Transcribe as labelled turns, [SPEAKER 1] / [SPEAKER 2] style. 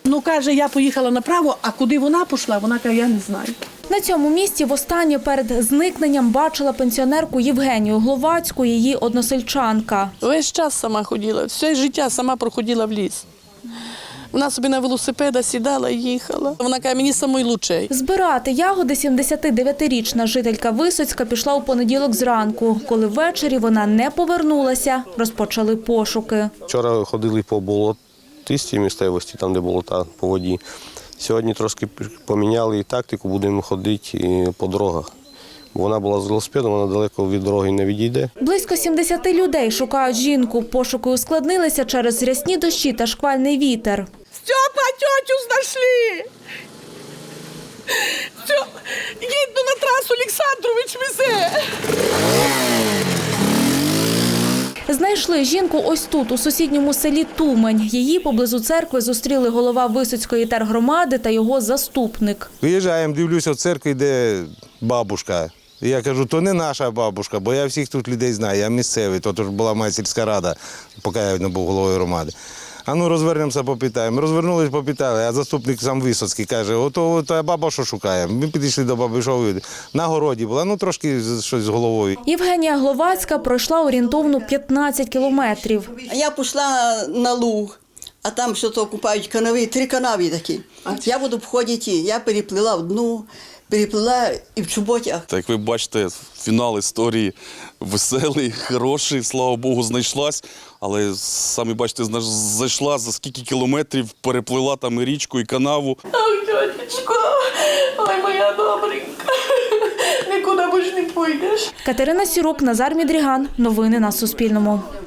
[SPEAKER 1] Ну, каже, я поїхала направо, а куди вона пішла, вона каже, я не знаю.
[SPEAKER 2] На цьому місці востаннє перед зникненням бачила пенсіонерку Євгенію Гловацьку, її односельчанка.
[SPEAKER 1] Весь час сама ходила, все життя сама проходила в ліс. Вона собі на велосипеда сідала і їхала. Вона каже, мені самий лучший.
[SPEAKER 2] Збирати ягоди 79-річна жителька Висоцька пішла у понеділок зранку. Коли ввечері вона не повернулася, розпочали пошуки.
[SPEAKER 3] Вчора ходили по болотистій місцевості, там де болота по воді. Сьогодні трошки поміняли тактику, будемо ходити по дорогах. Вона була з велосипедом, вона далеко від дороги не відійде.
[SPEAKER 2] Близько 70 людей шукають жінку. Пошуки ускладнилися через рясні дощі та шквальний вітер.
[SPEAKER 1] Степа, тьотю знайшли! Їдь на трасу, Олександрович везе!
[SPEAKER 2] Знайшли жінку ось тут, у сусідньому селі Тумень. Її поблизу церкви зустріли голова Висоцької тергромади та його заступник.
[SPEAKER 4] Виїжджаємо, дивлюся, в церкві йде бабушка. І я кажу, то не наша бабушка, бо я всіх тут людей знаю, я місцевий, то ж була моя сільська рада, поки я не був головою громади. А ну розвернемося, попитаємо. Розвернулись, попитали, а заступник сам Висоцький каже, ото баба що шукає. Ми підійшли до баби, що ви? На городі була, ну трошки щось з головою.
[SPEAKER 2] Євгенія Гловацька пройшла орієнтовно 15 кілометрів.
[SPEAKER 5] Я пішла на луг, а там що то купають канави, 3 канави такі. Я буду обходити, я переплила одну, переплила і в чоботях.
[SPEAKER 6] Так як ви бачите, фінал історії веселий, хороший, слава Богу, знайшлась. Але самі бачите, зайшла за скільки кілометрів, переплила там і річку, і канаву.
[SPEAKER 1] Ой, тьотечко, ой, моя добренька, нікуди більше не пойдеш.
[SPEAKER 2] Катерина Сірук, Назар Мідріган. Новини на Суспільному.